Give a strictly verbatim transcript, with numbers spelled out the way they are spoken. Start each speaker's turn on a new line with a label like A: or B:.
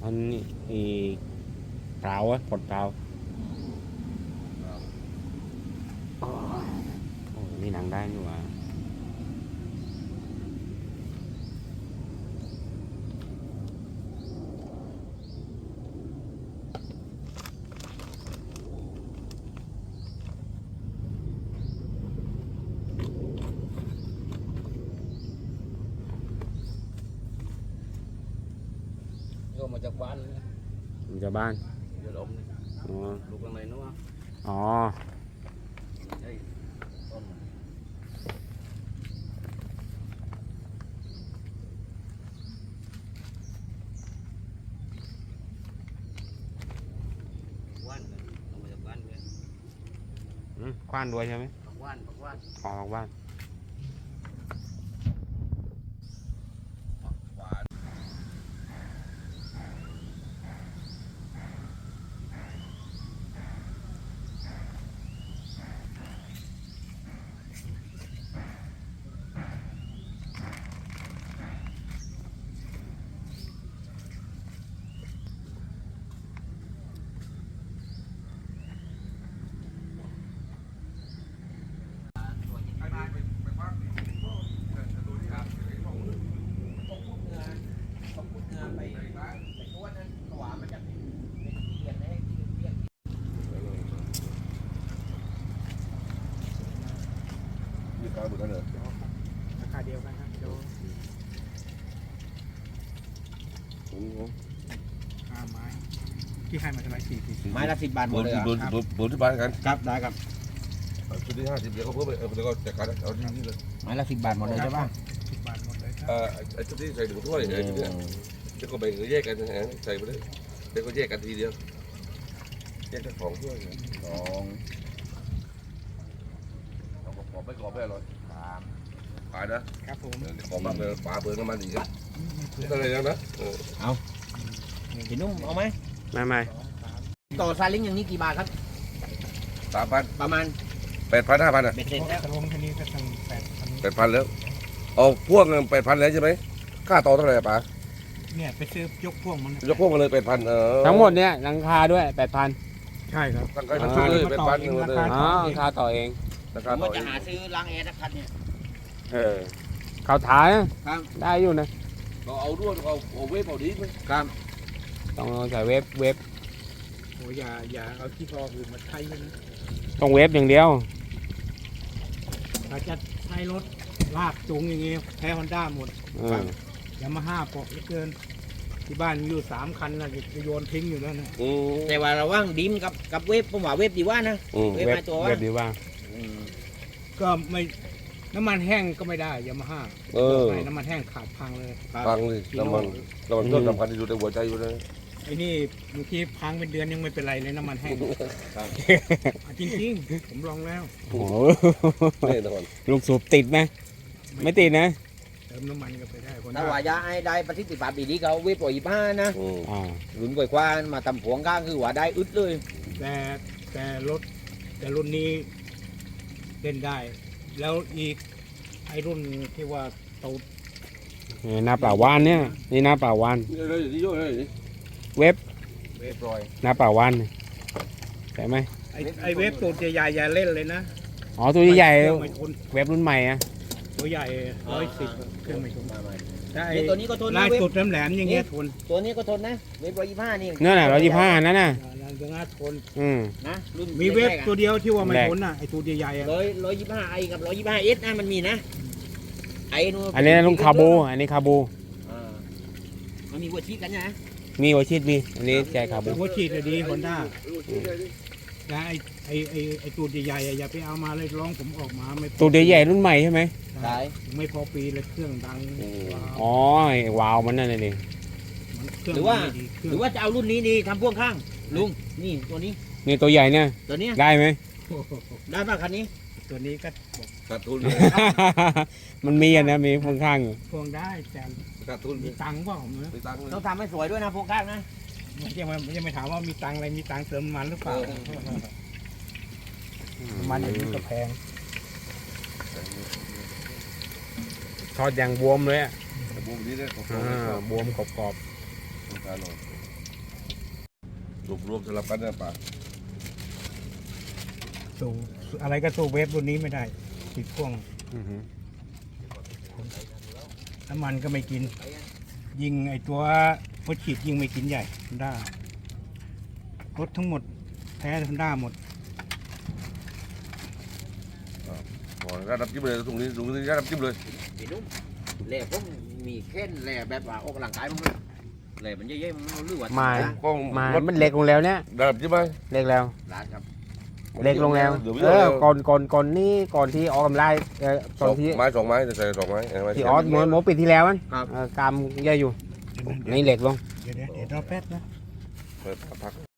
A: อันนี้อีเปล่าอะปลดเปล่าโอ้นี่หนังได้นี่หว่า
B: ก็มาจากบ้านเลย
A: อยู่จากบ้าน
B: เดี๋ยวดม
A: อ๋อ
B: ลูกข้างในนู้น
A: อ๋อ
B: ไอ้ต้นว่านเลยเอามาจากบ้านเลย
A: อืมคว้านด้วยใช่ไหม
B: ปักว่านปักว่าน
A: ออกบ้านราคาเดียวกันครับเดี๋ยวห้าไม้ที่ให้มาเท่าไหร่สี่สี่
B: ไม้ละสิบบาทหม
C: เบอ
B: ด
C: ร์
B: เลย
C: ที่
B: อ่ะ
C: เบอร์เบอร์เบอร์ที่บ้านกัน
B: ครับได้ครับ
C: ชุดที่ห้าสิบเดี๋ยวเขาเพิ่มไปเออเดี๋ยวก็จัดการเอาที่นี่เลย
B: ไม้ละสิบบาทหมดเลยใช่ป่ะ
A: สิบบาทหมดเลยครับ
C: เอ่อไอ้ชุดที่ใส่ถุงถ้วยไอ้ชุดเนี้ยเดี๋ยวก็แบ่งแยกกันนะฮะใส่ไปเลยเดี๋ยวก็แยกกันทีเดียวแยกกันของถ้วยสองเอากรอบไม่กรอบไม่อร่อยสามขายนะครับ
A: ผม
C: เดี๋ยวกรอบมากเลยปลาเบอร์น้ำมันอีกครับอะไรอย่างนั้นนะเออ
B: พี่นุ่มเอาไหม
A: ไม่ไม่
B: ต่อซาเล้งอย่างนี้กี่บาทครับ
C: สามพัน
B: ประมาณ
C: แปดพันห้าพันอ่ะ
B: เบ็ดเสร็จแล้ว
A: ตะลงทีนี้ก็ตั้งแปดพัน
C: แปดพันแล้วเอาพ่วงแปดพันแล้วใช่ไหมค่าต่อเท่าไหร่อะป๋า
A: เนี่ยไปซื้อยกพ่วงมัน
C: ยกพ่วงมาเลยแปดพันเออ
A: ทั้งหมดเนี่ยราคาด้วยแปดพันใช่ครับ
C: ตั้งใจทั้งชุดเลยแปดพันหนึ่งเลย
A: อ๋อราคาต่อเอง
C: รา
B: ผ
C: คาม ต่อ
B: ว่า
C: เอ
B: จะ
C: ง
B: หาซื้อล้างแอร์สักคันเนี่ย
A: เออเขาถ่ายนะครับ ได้อยู่นะ
C: เราเอาด้วยเอาเอาเวฟเอาดีมั้ย
B: ครับ
A: ต้องใส่เว็บเว็บ
D: โอ้อย่าอย่าเอาที่พออื่นมาใช้นะ
A: ต้องเว็บอย่างเดียว
D: ถ้าจะใช้รถลากจูงอย่างเงี้ยแพ้ฮอนด้าหมด
A: เออ
D: ยามาฮ่าเปาะเหลือเกิน ที่บ้านมีอยู่สามคันนะจะโยนทิ้งอยู่แล้วนะ
C: อืม
B: แต่ว่าระหว่างดิมกับกับเวฟผมว่าเวฟดีว่านะ
C: อืม
B: เว็บ
A: เว็บ
B: มาตัววะ
A: เว็บดีว่า
D: ก็ไม่น้ำมันแห้งก็ไม่ได้ยามาฮ่า
C: เออ
D: น้ำมันแห้งขาดพังเลย
C: ฟังเลยน้ำมันน้ำมันก็สำคัญที่สุดในหัวใจอยู่นะ
D: ไอ้นี่บางทีพังเป็นเดือนยังไม่เป็นไรเลยน้ำมันแห้งอ่ะจริงๆผมลองแล้ว
A: โอ้โห
C: แน่นอน
A: ลูกสูบติดไหมไม่ติดนะ
D: เติมน้ำมันก็ไปได้คน
B: ถ้าว่ายาไอ้ได้ประสิทธิภาพดีๆเขาเวฟปล่อยบ้านะ
C: อืม
A: อ่า
B: หลุนกว่าๆมาทำผวงข้างคือว่าได้อึดเลย
D: แต่แต่รถแต่รุ่นนี้เล่นได้ แล้วอีกไอ้รุ่นที่ว่าเตา
A: นี่หน้าป่าวานเนี่ยนี่หน้าป่าวาน
C: นี่เลยนี่โย่เลย
A: เว็บ
B: เวฟปล่อย
A: หน้าป่าวานใช่ไหม
D: ไอ้ไอ้เว็บตัวใหญ่ๆอย่าเล่นเลยนะ
A: อ๋อตัวใหญ่
D: เครื่องไม่ทน
A: ๆเว็บรุ่นใหม่อะ
D: ตัวใหญ่ร้อยสิบเครื่องไม่ทน
B: มาใหม่
D: แต่ไอ้
B: นี่ตัวนี้ก็ทนนะ
D: ลาย
B: เวฟ
D: สุดแหลมๆอย่างเงี้ยทน
B: ตัวนี้ก็ทนนะเวฟร้อยยี่ห้านี่
A: นั่นน่ะร้อยยี่ห้านั่นน่ะ
D: อย่างงั้นทน
A: อืม
B: นะรุ่น
D: มีเว็บ
B: แรกๆอะ
D: ตัวเดียวที่ว่าไม่
A: แรก
D: ทนอ่ะไอ้ตัวใหญ่ๆอ่ะ
B: ร้อยร้อยยี่ห้าไอกับร้อยยี่ห้าเอสนะมันมีนะไอ้นู่น
A: อันนี้ลุงคาบูอันนี้คาบู
B: อ่ามันมีวัวชีพกันนะ
A: มีโอชิตมีอันนี้ใจคาบู
D: หัวฉีดอะดีฮอนด้าแต่ไอ้ไอ้ไอ้ไอ้ตัวใหญ่ๆอะอย่าไปเอามาเลยร้องผมออกมาไม่พอ
A: ตัวใหญ่ๆรุ่นใหม่ใช่ไหม
B: ใช่
D: ไม่พอปีเลยเครื่องดังว้าว
A: อ๋อไอ้วาวมันนั่นน่ะดิ
D: มันเครื่อง
B: หรือว่า
D: ไม่ดีเค
B: ห
D: รื่
B: รือ อง ว่าจะเอารุ่นนี้ดีทำพ่วงข้างลุงนี่ตัวนี้
A: นี่ตัวใหญ่เนี่ย
B: ตัวเนี้ย
A: ได้ไหม
D: โอ้โห
B: ได้ป่ะคันนี้
D: ตัวนี้ก็บอก
C: ขาดทุน
A: มันมีอ่ะนะมีข้างข้างๆอยู่
D: พวงได้แต่
C: ขาดทุน
D: มีตังค์เปล่าผมนะ
C: ไปตังค์เลย
B: ต้องทำให้สวยด้วยนะพ่วงข้างนะ
D: ไม่ใช่ว่าไม่ใช่ไม่ถามว่ามีตังค์อะไรมีตังค์เติมน้ำมันหรือเปล่าน้ำมันอย่างนี้ก็แพง
A: ทอดอย่างบวมเลยอ่ะ
C: แต่บูมนี้ได้ขอบคุ
A: อ่
C: ณ
A: าบวมกรอบ
C: การหน่อยสูบรวมสลับกันนะป่า
D: สู้อะไรก็สู้เวฟรุ่นนี้ไม่ได้ติดพ่วง
A: อือฮึ
D: น้ำมันก็ไม่กิน ยิงไอตัวรถฉีดยิงไม่กินใหญ่ฮอนด้ารถทั้งหมดแพ้ฮอนด้าหมด
C: ขอน้ำจิ้มเลยตรงนี้ตรงนี้น้ำจิ้มเลย
B: พี่นุ่มแหล่ผมมีแค่นแหล่แบบว่าออกกำลังกายมั้งเลยแหล่มันเยอะๆมันเอาเลือด
A: มา
C: กล้อง
A: มามันเล็กลงแล้วเนี่ย
C: น้ำจิ้มไหม
A: เล็กแล้ว
B: ร้านครับ
A: เล็กลงแล้ว
C: เดี๋ยว
A: เออก่อนก่อนก่อนนี้ก่อนที่ออกกำลังเออ
C: ส
A: ตอ
C: อน ง
A: ที่
C: ไม้สองไม้จะใส่สองไม้
A: ที่ออสโมโมปิดที่แล้วมัน
B: ครับ
A: เออกามเยอะอยู่
D: เดี๋ยว
A: นี่เล็กลง
D: เดี๋ยวเดี๋ยวเดี๋ยวรอแป๊บนะ
C: เปิดพัก